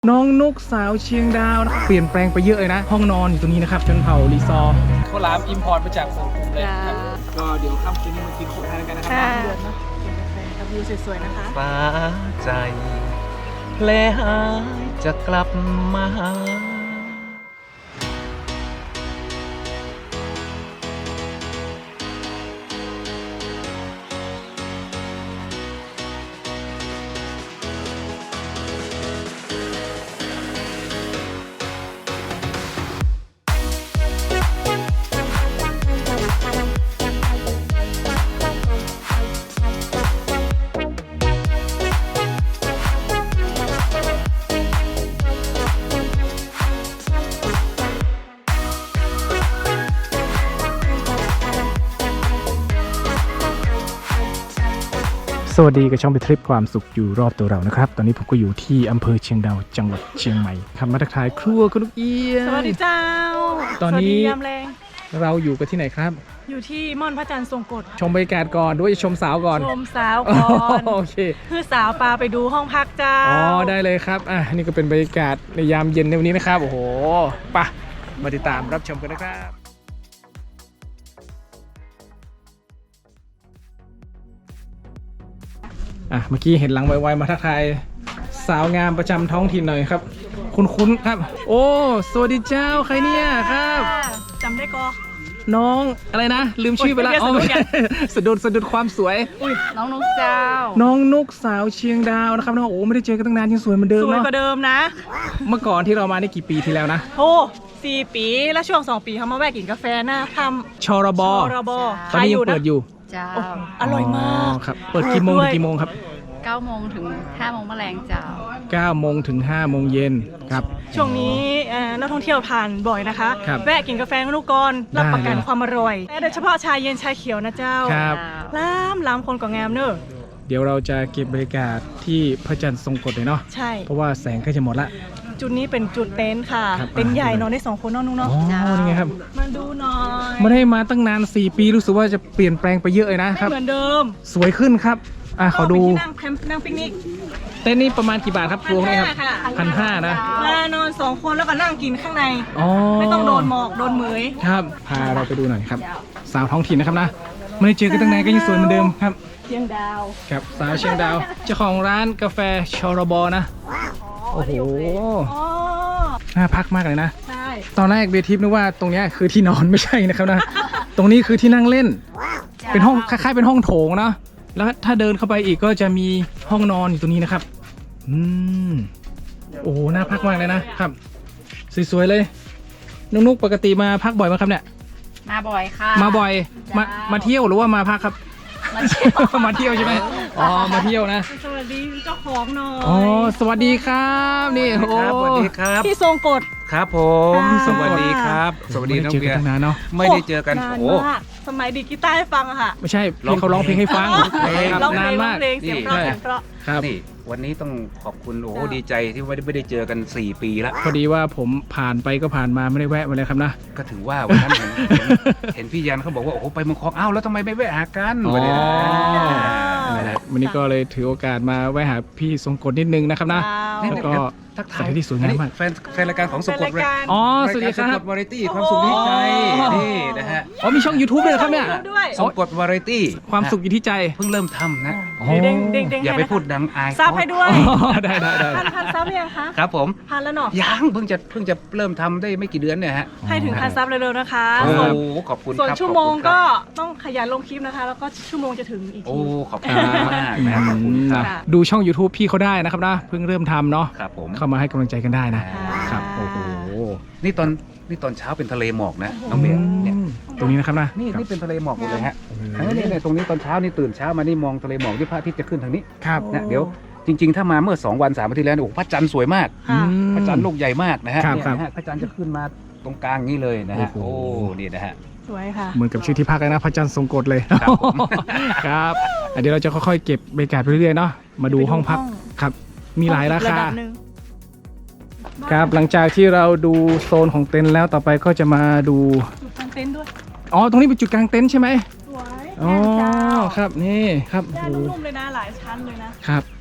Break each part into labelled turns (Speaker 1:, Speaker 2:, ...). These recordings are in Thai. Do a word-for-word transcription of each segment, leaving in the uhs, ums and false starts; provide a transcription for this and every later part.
Speaker 1: น้องนุกสาวเชียงดาวนะเปลี่ยนแปลงไปเยอะเลยนะห้องนอนอยู่ตรงนี้นะครับชนเผ่ารีซอร์ข้าวหลามอิมพอร์ตมาจากฝั่งกลุ่มเลยครับก็เดี๋ยวค่ำคืนนี้มากินของทานกันนะครับเดือนเนาะกินกาแฟกับวิวสวยๆนะคะ
Speaker 2: ฟ้าใจแลหายจะกลับมาหา
Speaker 1: สวัสดีกับช่องไปทริปความสุขอยู่รอบตัวเรานะครับตอนนี้ผมก็อยู่ที่อำเภอเชียงดาวจังหวัดเชียงใหม่ครับมาทักทายครัวคุณลูกเอี้ย
Speaker 3: สวัสดีเจ้า
Speaker 1: ตอนนี้
Speaker 3: ยามแรง
Speaker 1: เราอยู่กันที่ไหนครับ
Speaker 3: อยู่ที่ม่อนพระจันทร์ทรงกฎ
Speaker 1: ชมบรรยากาศก่อนด้วยจะชมสาวก่อน
Speaker 3: ชมสาวก่อน
Speaker 1: โอเค
Speaker 3: คือสาวปลาไปดูห้องพักเจ้า
Speaker 1: อ๋อได้เลยครับอ่ะนี่ก็เป็นบรรยากาศในยามเย็นในวันนี้นะครับโอ้โหไปมาติดตามรับชมกันนะครับอ่ะเมื่อกี้เห็นหลังไวๆมาทักทายสาวงามประจำท้องถิ่นหน่อยครับคุ้นๆครับโอ้สวัสดีเจ้าใครเนี่ยครับ
Speaker 3: จำได้ก็
Speaker 1: น้องอะไรนะลืมชื่อไปแล้วอ๋อสะดุดสะดุดความสวย
Speaker 3: น้องนุกเจ้า
Speaker 1: น้องนุกสาวเชียงดาวนะครับน้องโอ้ไม่ได้เจอกันตั้งนานยังสวยเหมือนเดิม
Speaker 3: สวย
Speaker 1: เนาะ
Speaker 3: กว่าเดิมนะ
Speaker 1: เมื่อก่อนที่เรามานี่กี่ปีที่แล้วนะ
Speaker 3: โอ้สี่ปีแล้วช่วงสองปีเขามาแวะกินกาแฟนะท
Speaker 1: ำชรบ
Speaker 3: ชรบ
Speaker 1: ตอนนี้ยังเปิดอยู่
Speaker 4: เจ้า
Speaker 3: อร่อยมาก
Speaker 1: ครับเปิดกี่โมงถึงกี่โมงครับ
Speaker 4: เก้าโมงถึงห้าโมงแมลงเจ้า
Speaker 1: เก้าโมงถึงห้าโมงเย็นครับ
Speaker 3: ช่วงนี้นักท่องเที่ยวผ่านบ่อยนะคะแวะกินกาแฟกับลูกกรรับประกันความอร่อยโดยเฉพาะชาเย็นชาเขียวนะเจ้า
Speaker 1: ครับ
Speaker 3: ล้ำล้ำคนก็งามเนอะ
Speaker 1: เดี๋ยวเราจะเก็บบรรยากาศที่พระจันทร์ทรงกฎเลยเนาะ
Speaker 3: ใช่
Speaker 1: เพราะว่าแสงใกล้จะหมดละ
Speaker 3: จุดนี้เป็นจุดเต็นท์ค่ะเต็นท์ใหญ่นอนได้สองคนนอนนุ่งเนาะ
Speaker 1: อ๋อนี่ไงครับ
Speaker 3: มาดูหน่อย
Speaker 1: ไม่ได้มาตั้งนานสี่ปีรู้สึกว่าจะเปลี่ยนแปลงไปเยอะเลยนะครับ
Speaker 3: เหมือนเดิม
Speaker 1: สวยขึ้นครับอ่ะขอดู
Speaker 3: นั่งแคมป์นั่งปิกนิก
Speaker 1: เต้นนี่ประมาณกี่บาทครับรวมนี่ครับพันห้านะ
Speaker 3: มานอนสองคนแล้วก็นั่งกินข้างในไม่ต้องโดนหมอกโดนเหมย
Speaker 1: ครับพาเราไปดูหน่อยครับสาวท้องถิ่นนะครับนะไม่ได้เจอกันตั้งนานก็ยังสวยเหมือนเดิมครับ
Speaker 3: เชียงดาว
Speaker 1: ครับสาวเชียงดาวเจ้าของร้านกาแฟชรบนะโอ้โหน่าพักมากเลยนะ
Speaker 3: ใช่
Speaker 1: ตอนแรกเบทิปนึกว่าตรงนี้คือที่นอนไม่ใช่นะครับนะตรงนี้คือที่นั่งเล่นเป็นห้องคล้ายๆเป็นห้องโถงเนาะแล้วถ้าเดินเข้าไปอีกก็จะมีห้องนอนอยู่ตรงนี้นะครับอืมโอ้โหน่าพักมากเลยนะครับสวยๆเลยนุ๊กๆปกติมาพักบ่อยไหมครับเนี่ย
Speaker 4: มาบ่อยค่ะ
Speaker 1: มาบ่อยมามาเที่ยวหรือว่ามาพักครับ
Speaker 4: มาเที่ยว
Speaker 1: มาเที่ยวใช่ไหมอ๋อมาเที่ยวนะ
Speaker 3: สวัสดีเจ้าของหน่อย
Speaker 1: อ๋อสวัสดีครับนี่โอ้
Speaker 2: สวัสดีครับ
Speaker 3: พี่ทรงกฎ
Speaker 2: ครับผมสวัสดีครับสวัสดีน้องเบียร์ไม่ได้เจอกัน
Speaker 3: โอ้สมัยดีกีตาร์ให้ฟังอะค่ะ
Speaker 1: ไม่ใช่พี่เขาร้องเพลงให้ฟัง
Speaker 3: นานมากเสียงเพราะเสียงเพราะ
Speaker 1: ครับ
Speaker 2: นี่วันนี้ต้องขอบคุณโอ้ดีใจที่ไม่ได้ไม่ได้เจอกันสี่ปีแล้ว
Speaker 1: พอดีว่าผมผ่านไปก็ผ่านมาไม่ได้แวะมาเลยครับนะ
Speaker 2: ก็ถือว่าวันนั้นเห็นเห็นพี่ยันเขาบอกว่าโอ้ไปเมืองคลองอ้าวแล้วทำไมไม่แวะหากันวันนี้
Speaker 1: วันนี้ก็เลยถือโอกาสมาแวะหาพี่ทรงกฎนิดนึงนะครับนะแล้วก็
Speaker 2: ทักทา
Speaker 1: ยที่สวยงามมาก
Speaker 2: แฟนแฟนรายการของสงกฎเลย
Speaker 1: อ๋อสวัสดีครับ
Speaker 2: สงกฎวาไรตี้ความสุขที่ใจนี่นะฮะ
Speaker 1: อ๋อมีช่อง ยูทูบ เลยครับเนี่ย
Speaker 2: สงกฎวาไรตี้
Speaker 1: ความสุขอยู่ที่ใจ
Speaker 2: เพิ่งเริ่มทำนะ
Speaker 3: อย่
Speaker 2: าไปพูดดังอาย
Speaker 3: ซับให้ด้วย
Speaker 1: ได้ได้ได้
Speaker 3: พันพันซับยังคะ
Speaker 2: ครับผม
Speaker 3: พันแล้วเนาะ
Speaker 2: ยังเพิ่งจะเพิ่งจะเริ่มทำได้ไม่กี่เดือนเนี่ยฮะ
Speaker 3: ให้ถึงพันซับเร็วๆนะคะ
Speaker 2: โอ้ขอบคุณ
Speaker 3: ส่วนชั่วโมงก็ต้องขยันลงคลิปนะคะแล้วก็ชั่วโมงจะถึงอีกที
Speaker 2: โอ้ขอบคุณมากนะครับ
Speaker 1: ดูช่อง ยูทูบ พี่เขาได้นะครับนะเพิ่งเริ่มทำเนาะ
Speaker 2: ครับผม
Speaker 1: เข้ามาให้กำลังใจกันได้นะครับโอ้โห
Speaker 2: นี่ตอนนี่ตอนเช้าเป็นทะเลหมอกนะน้องเบียร์เนี่ย
Speaker 1: ตรงนี้นะครับนะ
Speaker 2: นี่นี่เป็นทะเลหมอกหมดเลยฮะนี่เนี่ยตรงนี้ตอนเช้านี่ตื่นเช้ามานี่มองทะเลหมอกที่พระอาทิตย์จะขึ้นทางนี้
Speaker 1: ครับ
Speaker 2: นะเดี๋ยวจริงๆถ้ามาเมื่อสองวันสามวันที่แล้วโอ้พระจันทร์สวยมากพระจันทร์ลูกใหญ่มากนะฮะพระจันทร์จะขึ้นมาตรงกลางนี้เลยนะฮะโอ้นี่นะฮะ
Speaker 3: สวยค่ะ
Speaker 1: เหมือนกับชื่อที่พักเลยนะพระจันทร์ทรงกฎเลย
Speaker 2: ครับผม
Speaker 1: ครับเดี๋ยวเราจะค่อยๆเก็บบรรยากาศไปเรื่อยๆเนาะมาดูห้องพักครับมีหลายราคาครับหลังจากที่เราดูโซนของเต็นท์แล้วต่อไปก็จะมาดู
Speaker 3: จุดกางเต็นท์ด้วย
Speaker 1: อ๋อตรงนี้เป็นจุดกางเต็นท์ใช่ไหม
Speaker 3: สวย
Speaker 1: อ๋อครับนี่ครับ
Speaker 3: ได้นุ่มๆเลยนะหลายชั้นเลยนะครับ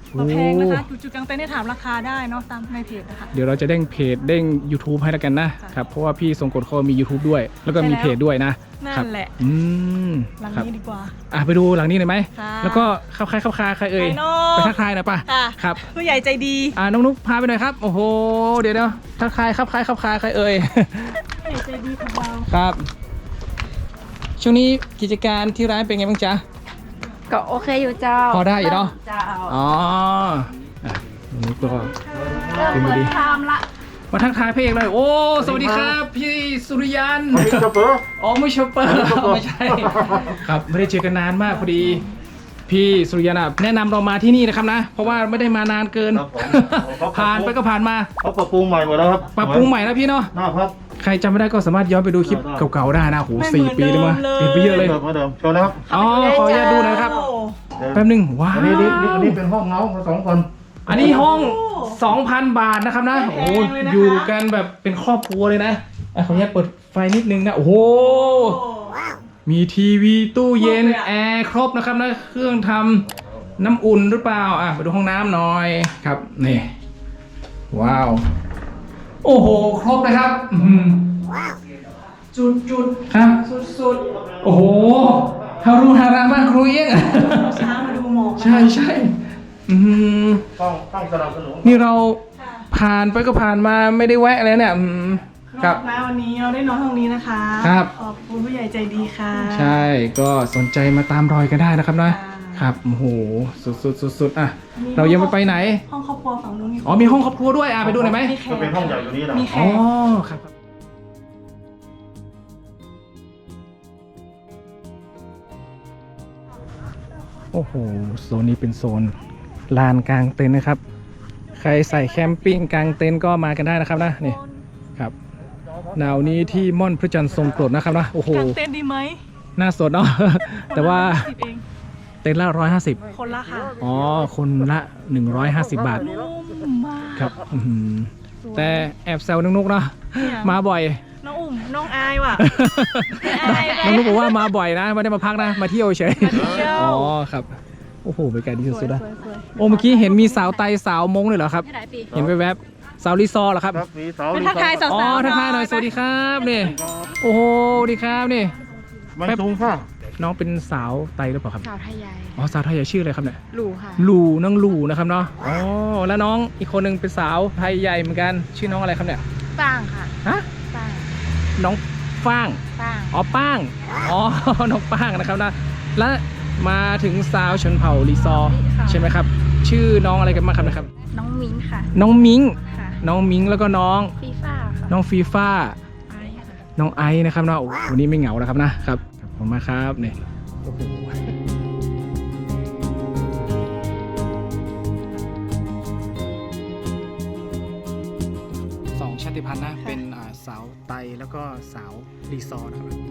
Speaker 3: มาแพงนะคะจุดๆกลางเต็นท์ได้ถามราคาได้เนาะตามในเพจนะคะ
Speaker 1: เดี๋ยวเราจะเด้งเพจเด้ง YouTube ให้แล้วกันนะ
Speaker 3: ค่ะ
Speaker 1: ครับเพราะว่าพี่ทรงกฎเขามี YouTube ด้วย แล้วก็มี
Speaker 3: ใช่แล้ว
Speaker 1: เพจด้วยนะ
Speaker 3: นั่
Speaker 1: ครั
Speaker 3: นแหละ
Speaker 1: อืม
Speaker 3: หลัง
Speaker 1: ครับ
Speaker 3: นี้ดีกว่า
Speaker 1: อ่ะไปดูหลังนี้หน่อยไหม
Speaker 3: ค่ะ
Speaker 1: แล้วก็เข้าใครเข้าคาใครเอ่ย
Speaker 3: ไปเนอะ
Speaker 1: ไปทักทายหน่อยป่ะ
Speaker 3: ค่ะ
Speaker 1: ครับ
Speaker 3: ผู้ใหญ่ใจดี
Speaker 1: อ่าน้องนุ๊กพาไปหน่อยครับโอ้โหเดี๋ยวเดี๋ยวทักทายครับใครเข้าคาใครเอ่ย
Speaker 3: ผู้ใหญ่ใจดีของเรา
Speaker 1: ครับช่วงนี้กิจการที่ร้านเป็นไงบ้างจ๊ะ
Speaker 4: ก็โอเคอยู่เจ้า
Speaker 1: พอได้อยู่เนอะ
Speaker 4: เจ้า
Speaker 1: อ๋ออ่ะน้องนุ๊กก็
Speaker 4: เริ่ม
Speaker 1: เป็นไง
Speaker 4: เปิ
Speaker 1: ดี
Speaker 4: ดทามละ
Speaker 1: มาทักทายพระเอกเลยโอ้สวัสดีครับพี่สุริยัน
Speaker 5: ไม่ชอบเปอร์
Speaker 1: อ๋อไม่ชอปเปอร์ไม่ใช่ครับไม่ได้เจอกันนานมากพอดี พี่สุริยันอะแนะนำเรามาที่นี่นะครับนะ เพราะว่าไม่ได้มานานเกิน ผ่านไปก็ผ่านมา
Speaker 5: เขาปรับปรุงใหม่หมดแล้วครับ
Speaker 1: ปรับปรุงใหม่แล้วพี่เนาะ
Speaker 5: น่าครับ
Speaker 1: ใครจำไม่ได้ก็สามารถย้อนไปดูคลิป
Speaker 5: ได้
Speaker 1: เก่าๆได้นะโห
Speaker 3: ไม่
Speaker 1: สี่
Speaker 3: เหมือน
Speaker 1: ปีเลยมั้ย
Speaker 3: เดิมเลย
Speaker 1: เปลี่ยนไปเยอะเลย
Speaker 5: เดิมเหมือนเดิมโชว์นะครับ
Speaker 1: อ๋อขออนุญาตดูหนะครับ
Speaker 3: โอ้
Speaker 1: แป๊บหนึงว้าว
Speaker 5: อันนี้นี่นี่อันนี้เป็นห้องเงาของสองคน
Speaker 1: อันนี้ห้อง สองพัน บาทนะครับนะโอ้โหอยู่กันแบบเป็นครอบครัวเลยนะอ่ะขออนุญาตเปิดไฟนิดนึงนะโอ้โห มีทีวีตู้เย็นแอร์ครบนะครับนะเครื่องทำน้ำอุ่นหรือเปล่าอ่ะไปดูห้องน้ำหน่อยครับนี่ว้าวโอ้โหครบเลยครับอื้อหือจุดจุดๆครับสุดๆโอ้โหฮารุฮารามากครูเอี้ยง
Speaker 3: ช้ามาดูหมอกนะ
Speaker 1: ใช่ใช่อืม
Speaker 5: ต้องต้องสนับสนุน
Speaker 1: นี่เราผ่านไปก็ผ่านมาไม่ได้แวะเลยเนี่ยอืมค
Speaker 3: ค
Speaker 1: รั
Speaker 3: รับ บนะวันนี้เราได้นอนห้องนี้นะคะ
Speaker 1: ครับ
Speaker 3: ขอบคุณผู้ใหญ่ใจดีค่ะ
Speaker 1: ใช่ก็สนใจมาตามรอยกันได้นะครับนะ
Speaker 3: ค่ะ
Speaker 1: ครับโอ้โหสุดสุดสุดสุดๆอ่ะเรายังไม่ไปไหน
Speaker 3: ห้องครอบครัวฝั่งนู้นมี
Speaker 1: อ๋อมีห้องครอบครัวด้วยอ่ะไปดูหน่อยไหม
Speaker 3: มีแข
Speaker 5: จะ
Speaker 3: ก
Speaker 5: เป็นห้องใหญ่กว่านี้นะ
Speaker 3: มีแข
Speaker 1: อ๋อก ครับโอ้โหโซนนี้เป็นโซนลานกลางเต็นท์นะครับ ใครใส่แคมปิ้งกลางเต็นท์ก็มากันได้นะครับนะนี่ครับหนาวนี้ที่ม่อนพระจันทร์ทรงกรดนะครับนะโอ้โห
Speaker 3: กางเต็นท์ดีไหม
Speaker 1: น่าสดเนาะ แต่ว่า
Speaker 3: สิบเอง
Speaker 1: เต็นท์ละร้อยห้าสิบ
Speaker 3: คนละค่ะ
Speaker 1: อ๋อคนละหนึ่งร้อยห้าสิบบาท
Speaker 3: นุ่มมาก
Speaker 1: ครับอื้อหือแต่แอบแซวนุกๆเนาะ
Speaker 3: เนี่ย
Speaker 1: มาบ่อย
Speaker 3: น้องอุ่มน้องอายว่ะ อาย
Speaker 1: น้องนุกบอกว่ามาบ่อยนะไม่ได้มาพักนะมาเที่ยวเฉย
Speaker 3: เที่ยว
Speaker 1: อ๋อครับโอ้โหบรรยากาศดี
Speaker 3: สว
Speaker 1: สุ
Speaker 3: ย
Speaker 1: ดๆนะ
Speaker 3: สวยสวย
Speaker 1: โอ้เมื่อกี้เห็นมีสาวไตสาวมงเลยเหรอครับ
Speaker 4: ที่ไหนปี
Speaker 1: เห็นแวบๆสาวรีซอร์เหรอครับ
Speaker 5: ครับมีเสา
Speaker 3: เป็นทักทายสาวๆ
Speaker 1: อ๋อ
Speaker 3: หน่
Speaker 1: ทักทายหน่อยสวัสดีครับนี่โอ้โหสวัสดีครับนี่
Speaker 5: ไม่สูงค่ะ
Speaker 1: น้องเป็นสาวไตหรือเปล่าครับ
Speaker 4: สาวไทยใหญ่
Speaker 1: อ๋อสาวไทยใหญ่ชื่ออะไรครับเนี่ย
Speaker 4: หลูค่ะ
Speaker 1: ลูน้องลูนะครับเนาะอ๋อแล้วน้องอีกคนหนึงเป็นสาวไทยใหญ่เหมือนกันชื่อน้องอะไรครับเนี่ย
Speaker 4: ป้างค่ะ
Speaker 1: ฮะ
Speaker 4: ป้าง
Speaker 1: น้องฟ้าง
Speaker 4: ป้าง
Speaker 1: อ๋อป้าง อ๋ อ น้องป้างนะครับนะ และมาถึงสาวชนเผ่าลีซอร์ใช่ไหมครับ ชื่อน้องอะไรกันบ้างครับนะครับ
Speaker 4: น้องมิ้นค่ะ
Speaker 1: น้องมิง
Speaker 4: ค่ะ
Speaker 1: น้องมิงแล้วก็น้อง
Speaker 4: ฟีฟ่าค่ะ
Speaker 1: น้องฟีฟ่า
Speaker 4: ไอซ์ค่ะ
Speaker 1: น้องไอซ์นะครับเนาะโอ้โหวันนี้ไม่เหงานะครับนะครับขอบคุณมากครับนี่โอ้โหสองชาติพันธุ์นะ เป็นอ่าสาวไตแล้วก็สาวลีซอร์นะครับ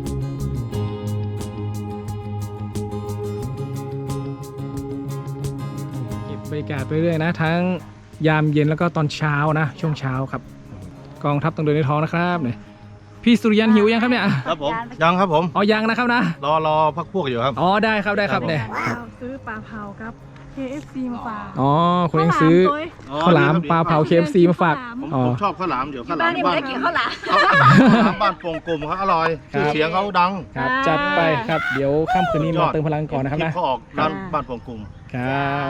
Speaker 1: เก็บบรรยากาศไปเรื่อยนะ ทั้งยามเย็นแล้วก็ตอนเช้านะ ช่วงเช้าครับ กองทัพต้องเดินในท้องนะครับเนี่ยพี่สุริยันหิวยังครับเนี่ย
Speaker 5: ครับผมยังครับผม
Speaker 1: อ๋อยังนะครับนะ
Speaker 5: รอรอพักพวกอยู่ครับ
Speaker 1: อ๋อได้ครับได้ครับเนี่ย
Speaker 3: เราซื้อปลาเผาครับ เค เอฟ ซี มาฝาก
Speaker 1: อ๋อคุณเองซื้อ
Speaker 3: ข้าวหลามตัว
Speaker 1: ข้าวหลามปลาเผา เค เอฟ ซี มาฝาก
Speaker 5: ผม
Speaker 1: อ๋อ
Speaker 5: ผมชอบข้าวหลามเดี๋ยวข้าวหลา
Speaker 4: บ้าน
Speaker 5: ม
Speaker 4: นี่
Speaker 5: บ้า
Speaker 4: ไม่
Speaker 5: น
Speaker 4: ได้กินข้าวหลาม
Speaker 5: ข้าวหลามบ้านโป่งกลมครับอร่อย
Speaker 1: ครับ
Speaker 5: ชื่อเสียงเขาดัง
Speaker 1: ครับจัดไปครับเดี๋ยวค่ำคืนนี้มาเติมพลังก่อนนะครับ
Speaker 5: ลิ
Speaker 1: นะ
Speaker 5: ปเขาออกร้านบ้านโป่งกลม
Speaker 1: ครับ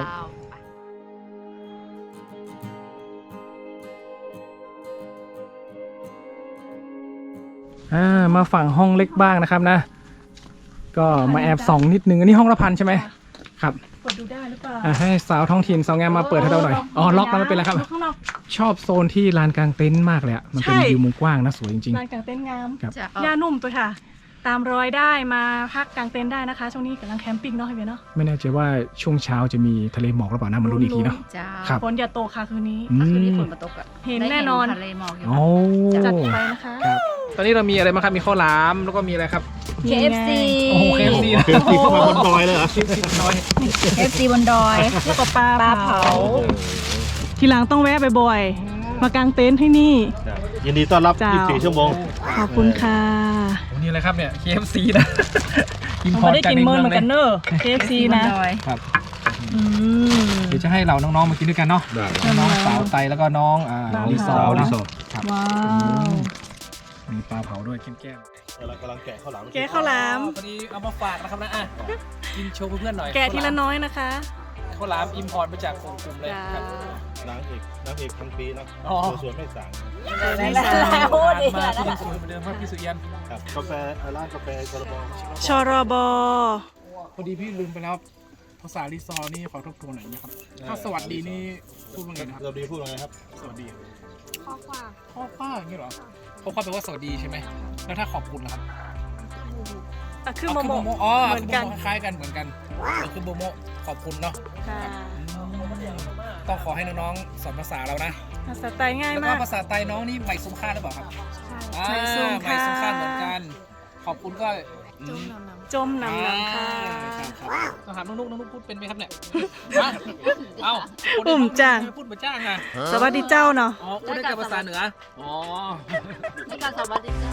Speaker 1: อ่ามาฝั่งห้องเล็กบ้างนะครับนะ ก็มาแอบส่องนิดนึงอันนี้ห้องละพันใช่ไหมครับ
Speaker 3: กดดูได้หรือเปล่า
Speaker 1: อ่ะให้สาวท้องถิ่นสาวงามมาเปิดให้เราหน่อยอ๋อล็อกแล้วไม่เป็นไรครับ
Speaker 3: ดูข้างนอก
Speaker 1: ชอบโซนที่ลานกลางเต็นท์มากเลยอ่ะมันเป็น
Speaker 3: ใช่
Speaker 1: วิวมุมกว้างนะสวยจริง
Speaker 3: ลานกลางเต็นท์งาม
Speaker 1: ครับ
Speaker 4: จะ
Speaker 3: หญ้านุ่มตัวค่ะ ตามรอยได้มาพักกลางเต็นท์ได้นะคะ ช่วงนี้กำลังแคมปิ้งเนาะพี่เบียร์เนาะ
Speaker 1: ๆ ไม่แน่ใจว่าช่วงเช้าจะมีทะเลหมอกหรือเปล่านะมาลุ้นอีกทีเนาะ
Speaker 4: จ้า
Speaker 1: ครับ
Speaker 3: ฝนอย่าตกค่ะคืนนี้
Speaker 1: อื
Speaker 4: ถ้าคืนนี้
Speaker 1: ม
Speaker 4: ฝนมาตกอะ
Speaker 3: เห็น
Speaker 4: ได้
Speaker 3: แน่นอน
Speaker 4: ทะเลหมอกอยู่
Speaker 1: โอ้
Speaker 3: จัดไปนะคะ
Speaker 1: ครับตอนนี้เรามีอะไรบ้างครับมีข้าวหลามแล้วก็มีอะไรครับ
Speaker 4: เค เอฟ ซี
Speaker 1: โอ้โห เค เอฟ ซี
Speaker 5: เคยตีเข้ามาบนดอยเลยเหรอ
Speaker 1: น้อย
Speaker 4: เค เอฟ ซี บนดอย
Speaker 3: แล้วก็ปลา
Speaker 4: ปลา
Speaker 3: เผา
Speaker 4: เผา
Speaker 3: ทีหลังต้องแวะบ่อยๆ มากางเต็นท์ที่นี่
Speaker 5: ยินดีต้อนรับ
Speaker 3: จ้า
Speaker 5: ยี่สิบสี่ชั่วโมง
Speaker 3: ขอบคุณค่ะ
Speaker 1: โอ้นี่อะไรครับเนี่ย เค เอฟ ซี นะอิน
Speaker 3: ผม
Speaker 1: พอ
Speaker 3: ไม่
Speaker 1: ร์ต
Speaker 3: ได้
Speaker 1: จาก
Speaker 3: กิน
Speaker 1: ใน
Speaker 3: เมิ
Speaker 1: เมื
Speaker 3: น
Speaker 1: อง
Speaker 3: เหมือน
Speaker 1: เล
Speaker 3: กัน
Speaker 1: ย
Speaker 3: เนอะ เค เอฟ ซี นะ
Speaker 4: บนดอย
Speaker 1: ครับ
Speaker 3: อืม
Speaker 1: เดี๋ยวจะให้เราน้องๆมากินด้วยกันเนาะ
Speaker 5: ได้
Speaker 1: น้องสาวไตแล้วก็น้องอ่า
Speaker 3: สาว
Speaker 1: ลิซอ
Speaker 5: สาว
Speaker 1: เน
Speaker 5: ลิ
Speaker 1: อะ
Speaker 5: ซอ
Speaker 1: ครับ
Speaker 3: ว้าว
Speaker 1: มีปลาเผาด้วยแก้ม
Speaker 5: กำลังกำลังแกะข้าวหลาม
Speaker 3: แกะข้าวหลาม
Speaker 1: พอดีเอามาฝากนะครับนะอ่ะกินโชว์เพื่อนๆหน่อย
Speaker 3: แกะทีละน้อยนะคะ
Speaker 1: ข้าวหลามอิมพอร์ตมาจากกลุ่มเลยครับ
Speaker 5: นางเอกนางเอกทั้งปีนะ
Speaker 1: อ๋อ
Speaker 5: สวนไม่สาง
Speaker 4: แล้วแล้วพูดอีก
Speaker 1: มา
Speaker 4: แล้ว
Speaker 1: ที่ยังสวยเหมือนเดิมครับพี่สุริยัน
Speaker 5: ครับกาแฟเอ่อร้านกาแฟกระบอก
Speaker 3: ชรบ
Speaker 1: พอดีพี่ลืมไปแล้วภาษาลิซอนี่ขอทบทวนหน่อยนะครับถ้าสวัสดีนี่พูดว่าไงนะครับ
Speaker 5: เราดีพูดว่าไงครับ
Speaker 1: สวัสดี
Speaker 4: ข้อความ
Speaker 1: ข้อคว้าอย่างนี้เหรอข้อคว้าแปลว่าสวัสดีใช่ไหมแล้วถ้าขอบคุณล่ะครับ
Speaker 3: อ่ะคือ
Speaker 1: เอา
Speaker 3: โม
Speaker 1: คือ
Speaker 3: โม
Speaker 1: โมโมอ๋อ
Speaker 3: เหมือนกัน
Speaker 1: คือโมโมคล้ายกันเหมือนกันเอาคือโมโมขอบคุณเนาะ
Speaker 3: ค่ะ
Speaker 1: ต้องขอให้น้องๆสอนภาษาเรานะ
Speaker 3: ภาษาไทยง่าย
Speaker 1: แล้วก็
Speaker 3: มาก
Speaker 1: ภาษาไทยน้องนี่ใหม่ซุ้มค่าหรือเปล่าครับอ่า
Speaker 3: ใหม่ซุ้มค่า
Speaker 1: ใหม่ซุ้มค่าเหมือนกัน ขอบคุณก็อืม
Speaker 3: จมนำนำค่ะ
Speaker 1: อ่าครับต้องถามน้องนุ๊กน้องนุ๊กพูดเป็นไหมครับเนี่ยฮะเอ้าคน
Speaker 3: ปุ่มจ้าง
Speaker 1: พูดเหมือนจ้างอ่ะ
Speaker 3: สวัสดีเจ้าเนาะ
Speaker 1: อ๋อพูดได้แต่ภาษาเหนืออ๋อ
Speaker 4: ในการสวัสดีจ้า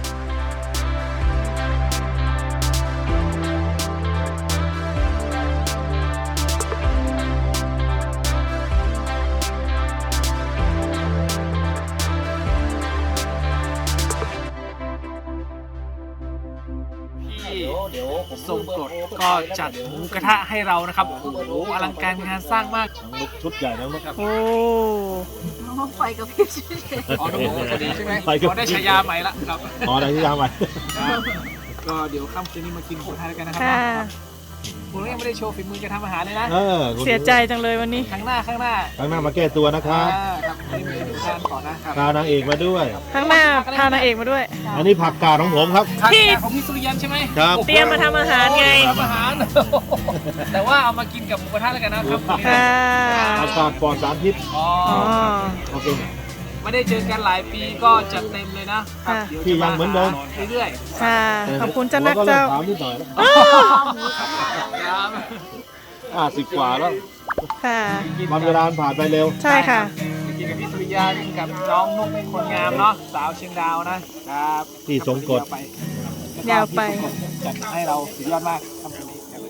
Speaker 1: พี่ทรงกรดก็จัดหมูกระทะให้เรานะครับโอ้โหอลังการงานสร้างมาก
Speaker 5: น้องลุกชุดใหญ่นะลูกครับ
Speaker 3: โอ้
Speaker 4: ไฟกับพี่ชิเ
Speaker 1: อ๋อน้องหมูคนนี้ใช่ไหม
Speaker 5: ไปกับ
Speaker 1: อ๋อได้ฉายาใหม่ละครับ
Speaker 5: อ๋อได้ที่ยามไป
Speaker 1: ครับก็เดี๋ยวค่ำคืนนี้มากินหมูกระทะกันนะครั
Speaker 3: ค่ะ
Speaker 1: ผมยังไม่ได้โชว์ฝีมือการทำอาหารเลยนะ
Speaker 5: เออคุณ
Speaker 3: เสียใจจังเลยวันนี้
Speaker 1: ข้างหน้าข้างหน้า
Speaker 5: ข้างหน้ามาแก้ตัวนะครับ
Speaker 1: อ่าครับวันนี้มีดูทานก่อนนะครับ
Speaker 5: พานางเอกมาด้วย
Speaker 3: ข้างหน้าพานางเอกมาด้วย
Speaker 5: อันนี้ผักกาดของผมครับ
Speaker 1: ข้าง
Speaker 3: พี่
Speaker 1: หน้าของพี่สุริยันใช่ไหม
Speaker 5: ครับ
Speaker 3: เตรียมมาทำอาหารไง
Speaker 1: ทำอาหาร แต่ว่าเอามากินกับหมูกระทะแล้วกันนะครับวันนี้
Speaker 3: ค่ะ
Speaker 5: ผักกาดปลอดสารพิษ
Speaker 1: อ๋อ
Speaker 3: อ๋อ
Speaker 5: โอเค
Speaker 1: ไม่ได้เจอกันหลายปีก็จัดเต็มเลยนะครับ
Speaker 3: ค่ะ
Speaker 1: เดี๋ยว
Speaker 5: พี่
Speaker 1: จะ
Speaker 5: ยังเหมือนเดิม
Speaker 1: เรื่อย
Speaker 3: ค่ะ ขอบคุณเจ้านัก
Speaker 5: ผม
Speaker 3: เจ้า
Speaker 5: ถามนิดหน่อยนะ
Speaker 1: ๆครับ
Speaker 5: ห้าสิบกว่าแล้ว
Speaker 3: ค่ะ
Speaker 5: วันเวลาผ่านไปเร็ว
Speaker 3: ใช่ค่ะ
Speaker 1: กินกับพี่สุริยากินกับน้องนุ๊กคนงามเนาะสาวเชียงดาวนะครับ
Speaker 5: ที่สงกรด
Speaker 3: ยาวไป
Speaker 1: แล้วก็พี่สงกรดจัดให้เราสุดยอดมากทำตรงนี้ครับ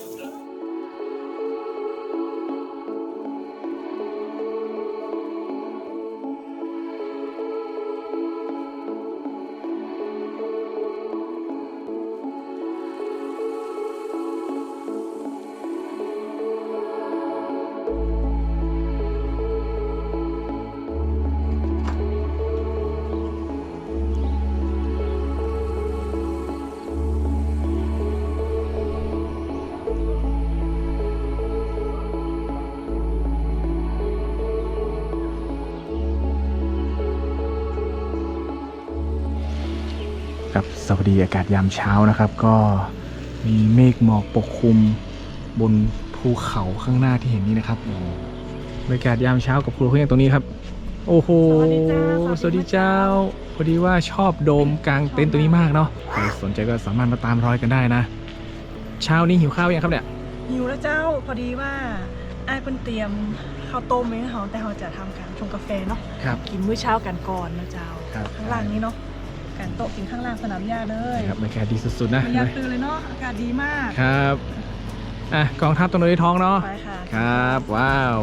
Speaker 6: ครับสวัสดีอากาศยามเช้านะครับ ก็มีเมฆหมอกปกคลุมบนภูเขาข้างหน้าที่เห็นนี้นะครับบรรยากาศยามเช้ากับครูเพื่อนตรงนี้ครับ โอ้โห
Speaker 3: สวัสดีจ้า
Speaker 6: สวัสดีเจ้าพอดีว่าชอบโดมกลางเต็นท์ตัวนี้มากเนาะใครสนใจก็สามารถมาตามรอยกันได้นะ เช้านี้หิวข้าวยังครับเนี่ย
Speaker 3: หิวแล้วเจ้า พอดีว่าไอ้ายเพิ่นเตรียมข้าวต้มไว้ให้เราแต่เราจะทำการชงกาแฟเนาะ
Speaker 6: ครับ
Speaker 3: กินมื้อเช้ากันก่อนนะเจ้า
Speaker 6: ครับ
Speaker 3: ข้างล่างนี้เนาะการโต๊ะกินข้างล่างสนามหญ้าเลย
Speaker 6: ครับบรรยากาศดีสุดๆนะ
Speaker 3: ไม่อยากตื่นเลยเนาะ อากาศดีมาก
Speaker 6: ครับอ่ะกองทัพตรงนี้ท้องเนาะ
Speaker 3: ไปค่ะ
Speaker 6: ครับว้าว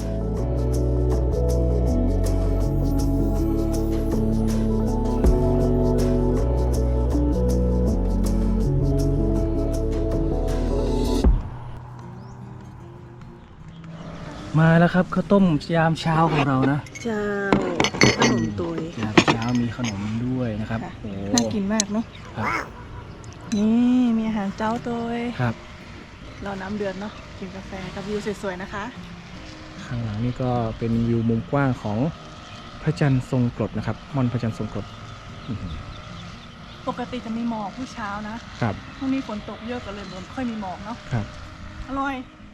Speaker 6: มาแล้วครับข้าวต้มยามเช้าของเรานะ
Speaker 3: เจ้าขนมตัวย
Speaker 6: ยามเช้ามีขนมด้วยนะครับ
Speaker 3: ค่ะ
Speaker 6: โอ้
Speaker 3: น่ากินมากเนาะ
Speaker 6: ครับ
Speaker 3: นี่มีอาหารเจ้าตัวย
Speaker 6: ครับ
Speaker 3: เราน้ำเดือดเนาะ กินกาแฟกับวิวสวยๆนะคะ
Speaker 6: ข้างหลังนี่ก็เป็นวิวมุมกว้างของพระจันทร์ทรงกรดนะครับม่อนพระจันทร์ทรงกรดอื้อหือ
Speaker 3: ปกติจะมีหมอกผู้เช้านะครับ พรุ่งนี้ฝนตกเยอะก็เลยไม่ค่อยมีหมอกเนาะ
Speaker 6: ครับ
Speaker 3: อร่อย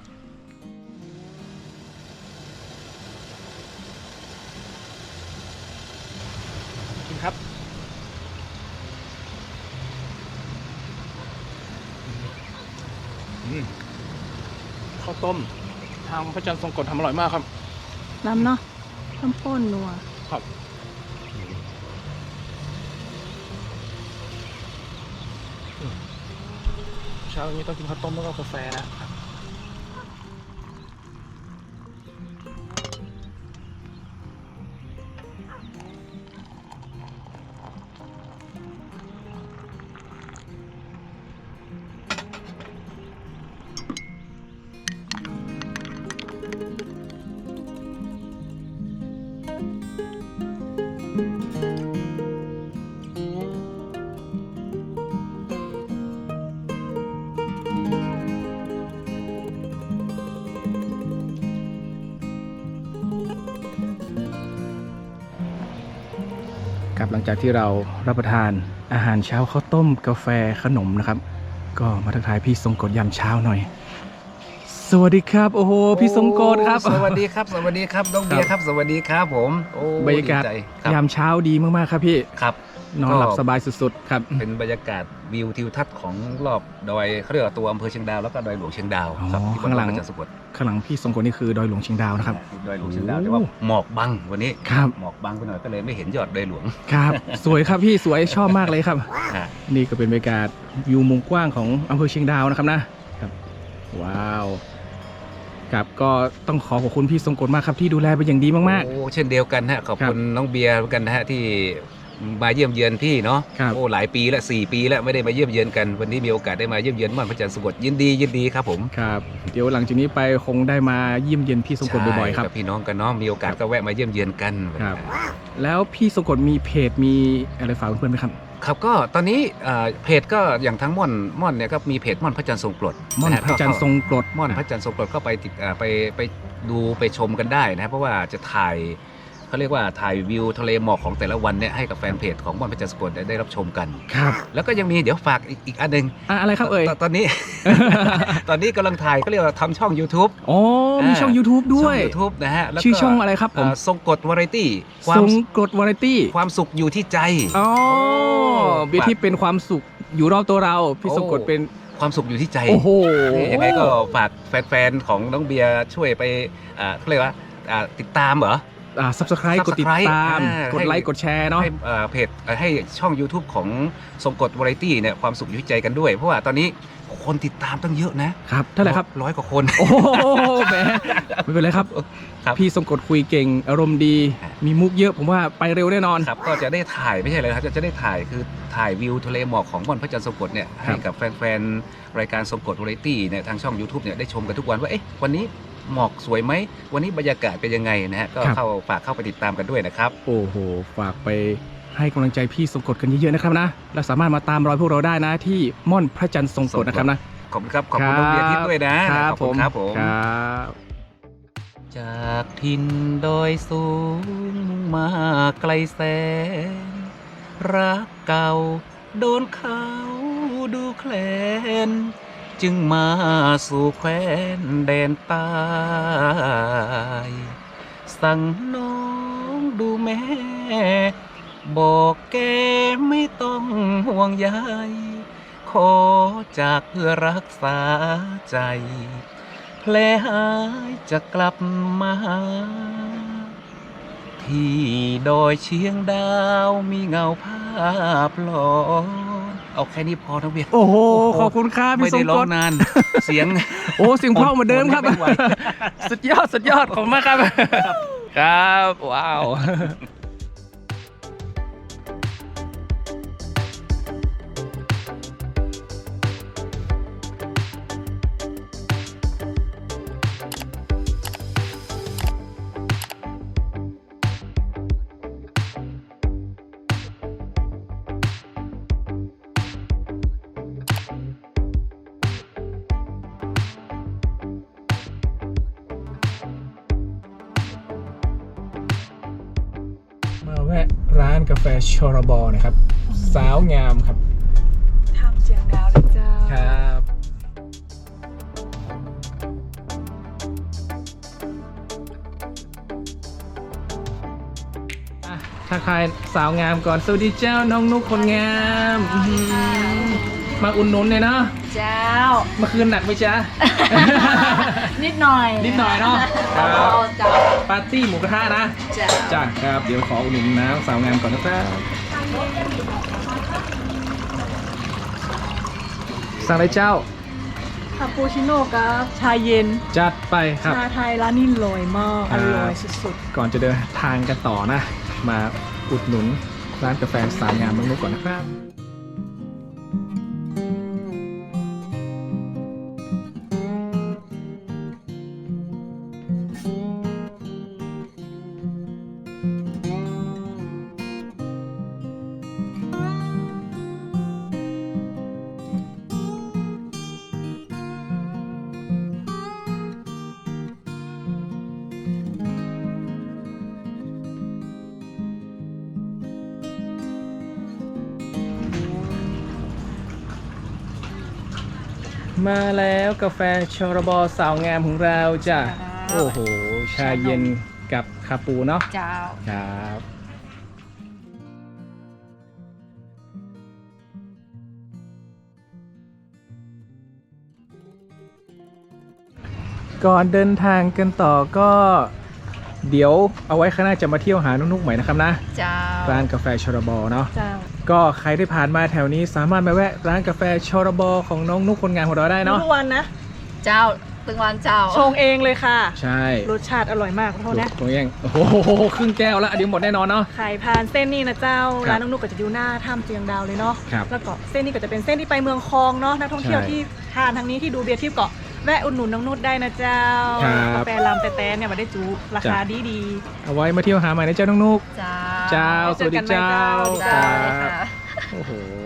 Speaker 1: กินครับ
Speaker 6: ข้าวต้มทางพระจันทร์ทรงกรดทำอร่อยมากครับ
Speaker 3: น้ำเนาะน้ำข้นนัว
Speaker 6: ครับเช้านี้ต้องกินข้าวต้มแล้วก็กาแฟนะครับหลังจากที่เรารับประทานอาหารเช้าข้าวต้มกาแฟขนมนะครับ ก็มาทักทายพี่ทรงกฎยามเช้าหน่อย สวัสดีครับ โอ้โหพี่ทรงกฎครับ
Speaker 2: สวัสดีครับ สวัสดีครับน้องเบียร์ครับ สวัสดีครับผมโอ้
Speaker 6: บรรยากาศ
Speaker 2: ดีใจครับ
Speaker 6: ยามเช้าดีมากๆครับพี่
Speaker 2: ครับ
Speaker 6: นอนหลับสบายสุดๆครับ
Speaker 2: เป็นบรรยากาศวิวทิวทัศน์ของรอบดอยเขาเรียกว่าตัวอำเภอเชียงดาวแล้วก็ดอยหลวงเชียงดาวครับ
Speaker 6: อ๋อ
Speaker 2: ที่
Speaker 6: ข้างหลัง
Speaker 2: จังหวัดสกล
Speaker 6: ข้างหลังพี่ทรงกฎนี่คือดอยหลวงเชียงดาวนะครับ
Speaker 2: ดอยหลวงเชียงดาวแต่ว่าหมอกบังวันนี้
Speaker 6: ครับ
Speaker 2: หมอกบังไปหน่อยก็เลยไม่เห็นยอดดอยหลวง
Speaker 6: ครับ สวยครับพี่สวยชอบมากเลยครับ
Speaker 2: อ่ะ
Speaker 6: นี่ก็เป็นบรรยากาศวิวมุมกว้างของอำเภอเชียงดาวนะครับนะครับว้าวครับก็ต้องขอขอบคุณพี่ทรงกฎมากครับที่ดูแลเป็นอย่างดีมาก
Speaker 2: โอ้เช่นเดียวกันฮะขอบคุณน้องเบียร์เหมือนกันนะฮะที่มาเยี่ยมเยือนพี่เนาะ
Speaker 6: ครับ
Speaker 2: โอ้หลายปีละสี่ปีแล้วไม่ได้มาเยี่ยมเยือนกันวันนี้มีโอกาสได้มาเยี่ยมเยือนม่อนพระจันทร์สกดยินดียินดีครับผม
Speaker 6: ๆครับเดี๋ยวหลังจากนี้ไปคงได้มาเยี่ยมเยียนพี่ทรงกฎบ่อยๆครับ
Speaker 2: ใช่กับพี่น้องกันเนาะมีโอกาสก็แวะมาเยี่ยมเยือนกัน
Speaker 6: ครับ แล้วพี่ทรงกฎมีเพจมีอะไรฝากเพื่อนๆไหมครับ
Speaker 2: ครับก็ตอนนี้เอ่อเพจก็อย่างทั้งม่อนม่อนเนี่ยก็มีเพจม่อนพระจันทร์ทรงกรด
Speaker 6: ม่อน
Speaker 2: ฮ
Speaker 6: พระจันทร์ทรงกรด
Speaker 2: ม่อนพระจันทร์ทรงกรดก็ไปติดเอ่อไปไปดูไปชมกันได้นะครับเพราะว่าจะถ่ายเขาเรียกว่าถ่ายวิวทะเลหมอกของแต่ละวันเนี่ยให้กับแฟนเพจของม่อนพระจันทร์ทรงกรดได้รับชมกัน
Speaker 6: ครับ
Speaker 2: แล้วก็ยังมีเดี๋ยวฝากอีกอีกอันหนึ่ง
Speaker 6: อ่ะอะไรครับเอ่ย
Speaker 2: ตตอนนี้ ตอนนี้กำลังถ่ายก็เรียกว่าทำช่อง YouTube
Speaker 6: อ๋อมีช่อง YouTube ด้วย
Speaker 2: ช่อง YouTube นะฮะแล้วก็
Speaker 6: ชื่อช่องอะไรครับผม
Speaker 2: เอ่อทรงกรดวาไรตี้ควา
Speaker 6: ท
Speaker 2: ม
Speaker 6: รงกรดวาไรตี้
Speaker 2: ความสุขอยู่ที่ใจ
Speaker 6: อ๋อเบียร์ที่เป็นความสุขอยู่รอบตัวเรา พี่ทรงกฎเป็น
Speaker 2: ความสุขอยู่ที่ใจ
Speaker 6: โอ้โห
Speaker 2: นี่ยังไงก็ฝากแฟนๆ ของน้องเบียร์ช่วยไปอ่าเขาเรียกว่าอ่าติดตามเหรอ
Speaker 6: อ่า subscribe กดติด
Speaker 2: Subscribe
Speaker 6: ตาม
Speaker 2: อ่าก
Speaker 6: ดไลค์
Speaker 2: ให้
Speaker 6: กดแชร์เนาะ
Speaker 2: ให้อ่าเพจเอ่อให้ช่อง YouTube ของทรงกฎวาไรตี้เนี่ยความสุขอยู่ที่ใจกันด้วย เพราะว่าตอนนี้คนติดตามตั้งเยอะนะครับ
Speaker 6: เท่าไหร่ครับ
Speaker 2: ร้อยกว่าคน
Speaker 6: โอ้โหแหมไม่เป็นไรครับ
Speaker 2: ครับ
Speaker 6: พี่ทรงกฎคุยเก่ง อารมณ์ดี
Speaker 2: ครับ
Speaker 6: มีมุกเยอะผมว่าไปเร็วแน่นอน
Speaker 2: ครับก็จะได้ถ่ายไม่ใช่เลยครับจะจะได้ถ่ายคือถ่ายวิวทะเลหมอกของม่อนพระจันทร์ทรงกฎเนี่ยให้กับแฟนๆ รายการทรงกฎวาไรตี้เนี่ยทางช่อง YouTube เนี่ยได้ชมกันทุกวันว่าเอ๊ะวันนี้หมอกสวยไหมวันนี้บรรยากาศเป็นยังไงนะฮะก็
Speaker 6: ครับ
Speaker 2: เข้าฝากเข้าไปติดตามกันด้วยนะครับ
Speaker 6: โอ้โห ฝากไปให้กำลังใจพี่ทรงกฎกันเยอะๆนะครับนะ และสามารถมาตามรอยพวกเราได้นะที่ม่อนพระจันทร์ทรงกฎนะครับนะ
Speaker 2: ขอบคุณครับ ขอบคุณน้องเบียร์ทิพย์ด้วยนะครับ ขอบคุณครับผม
Speaker 6: ครับ
Speaker 2: จากถิ่นดอยสูงมาไกลแสน รักเก่าโดนเขาดูแคลน จึงมาสู่แคว้นแดนใต้สั่งน้องดูแม่ บอกแกไม่ต้องห่วงใยขอจากเพื่อรักษาใจ แผลหายจะกลับมาหาที่ดอยเชียงดาวมีเงาภาพหลอนเอาแค่นี้พอทั้งเบียร์
Speaker 6: โอ้โห ขอบคุณครับ
Speaker 2: ไม่
Speaker 6: พี่ทร
Speaker 2: ได้
Speaker 6: ง
Speaker 2: ร้อก ง
Speaker 6: ฎ
Speaker 2: นาน เสียง
Speaker 6: โอ้เสิ่งเพราะเหมือนเดิมครับ
Speaker 2: ไม่ไหว
Speaker 6: สุดยอด สุดยอด ของมากครับ ครับ ว้าว มาแวะร้านกาแฟชอรบอนะครับ สาวงามครับ
Speaker 3: ทำเสียงดาวเลยจ้า
Speaker 6: ครับอ่ะทักทายสาวงามก่อน สวัสดีเจ้าน้องนุกคนงามอื้อหือมาอุ่นนุนเลยเนาะ
Speaker 4: เจ้า
Speaker 6: เมื่อคืนหนักไหมจ๊ะ
Speaker 4: นิดหน่อย
Speaker 6: นิดหน่อยเนาะค
Speaker 4: เอา
Speaker 6: รับ
Speaker 4: เจ้า
Speaker 6: ปาร์ตี้หมูกระทะนะ
Speaker 4: เจ้า
Speaker 6: จ้าครับ เดี๋ยวขออุดหนุนน้ำสาวงามก่อนนะครับสั่งอะไรเจ้า
Speaker 3: คาปูชิโน่กับชาเย็น
Speaker 6: จัดไปครับ
Speaker 3: ชาไทยร้านนี้ลอยมาก
Speaker 6: ครั
Speaker 3: อบ ร่อยสุด
Speaker 6: ก่อนจะเดินทางกันต่อนะ มาอุดหนุนร้านกาแฟสาวงามน้องนุกก่อนนะครับ
Speaker 1: มาแล้วกาแฟชรบสาวงามของเราจ้ะโอ้โหชาเย็นกับคาปูเนาะ
Speaker 4: เจ้า
Speaker 1: ครับก่อนเดินทางกันต่อก็เดี๋ยวเอาไว้ข้างหน้าจะมาเที่ยวหานุกๆใหม่นะครับนะ
Speaker 4: เจ้า
Speaker 1: ร้านกาแฟชรบเนาะ
Speaker 3: เจ้า
Speaker 1: ก็ใครที่ผ่านมาแถวนี้สามารถมาแวะร้านกาแฟชรบของน้องนุกคนงานของเราได้เนาะ
Speaker 3: ทุกวันนะ
Speaker 4: เจ้าตึงวันเจ้า
Speaker 3: ชงเองเลยค่ะ
Speaker 1: ใช่
Speaker 3: รสชาติอร่อยมากขอโทษนะ
Speaker 1: ตรงนี้โอ้โหครึ่งแก้วแล้วเดี๋ยวหมดแน่นอนเนาะ
Speaker 3: ขายผ่านเส้นนี้นะเจ้า
Speaker 1: ครับ
Speaker 3: ร้านน้องนุกก็จะอยู่หน้าถ้ำเจียงดาวเลยเนาะ
Speaker 1: ครับ
Speaker 3: แล้วก็เส้นนี้ก็จะเป็นเส้นที่ไปเมืองคลองเนาะนักท่องเที่ยว
Speaker 1: ใช่
Speaker 3: ที่ทานทางนี้ที่ดูเบียร์ทิพย์เกาะแวะอุดหนุนน้องนุชได้นะเจ้า
Speaker 1: ครับ
Speaker 3: กาแฟลำแต่แต่เนี่ยมาได้จูราคาดีดี
Speaker 1: เอาไว้มาเที่ยวหาใหม่นะเจ้าน้องนุก
Speaker 4: เจ้า
Speaker 1: เจ้าสวัสดีเจ้า
Speaker 3: เจอกันใหม่เจ้า
Speaker 4: เจ้าเลยค่ะ
Speaker 1: โอ้โห